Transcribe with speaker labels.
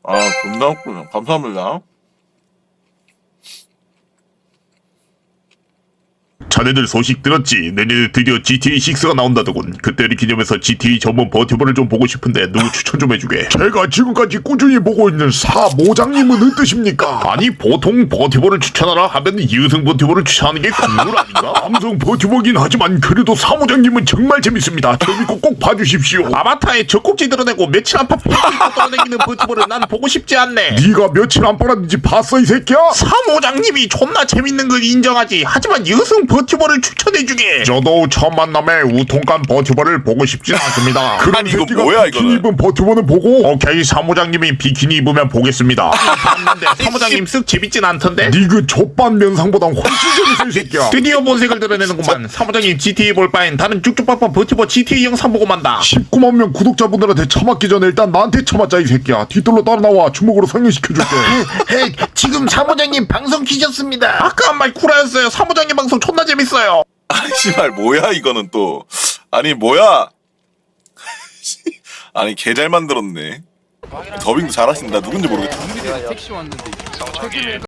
Speaker 1: 아, 존나 웃구나. 감사합니다.
Speaker 2: 자네들 소식 들었지? 내년에 드디어 GTA6가 나온다더군. 그때를 기념해서 GTA 전문 버튜버를 좀 보고 싶은데 누구 추천 좀 해주게.
Speaker 3: 제가 지금까지 꾸준히 보고 있는 사모장님은 어떠십니까?
Speaker 2: 아니 보통 버튜버를 추천하라 하면 이우승 버튜버를 추천하는 게 국룰 아닌가?
Speaker 3: 삼성 버튜버긴 하지만 그래도 사모장님은 정말 재밌습니다. 재밌고 꼭 봐주십시오.
Speaker 2: 아바타에 젖꼭지 드러내고 며칠 안팎 볼 수 있고 떠다니는 버튜버를 난 보고 싶지 않네.
Speaker 3: 네가 며칠 안 빨았는지 봤어 이 새끼야?
Speaker 2: 사모장님이 존나 재밌는 걸 인정하지. 하지만 이우승 버튜버를 추천해주게. 저도 첫 만남에 우통간 버튜버를 보고 싶진 않습니다.
Speaker 3: 그런
Speaker 1: 아니, 이거
Speaker 3: 새끼가
Speaker 1: 뭐야,
Speaker 3: 비키니
Speaker 1: 이거는?
Speaker 3: 입은 버튜버는 보고
Speaker 2: 오케이, 사모장님이 비키니 입으면 보겠습니다. 봤는데 사모장님 쓱 재밌진 않던데?
Speaker 3: 네 그 족반 면상보단 훨씬 재밌어 이 새끼야.
Speaker 2: 드디어 본색을 드러내는구만. 사모장님 GTA 볼 바엔 다른 쭉쭉빡빡 버튜버 GTA 영상 보고 만다.
Speaker 3: 19만 명 구독자분들한테 처맞기 전에 일단 나한테 처맞자 이 새끼야. 뒤돌로 따라 나와 주먹으로 상륙시켜줄게.
Speaker 4: 헤이, 지금 사모장님 방송 키셨습니다.
Speaker 2: 아까 한 말 구라였어요. 사모장님 방송 존나 재밌어요.
Speaker 1: 아, 씨발, 뭐야, 이거는 또. 아니, 뭐야. 아니, 개 잘 만들었네. 더빙도 잘하신다. 누군지 모르겠다.
Speaker 5: 택시 왔는데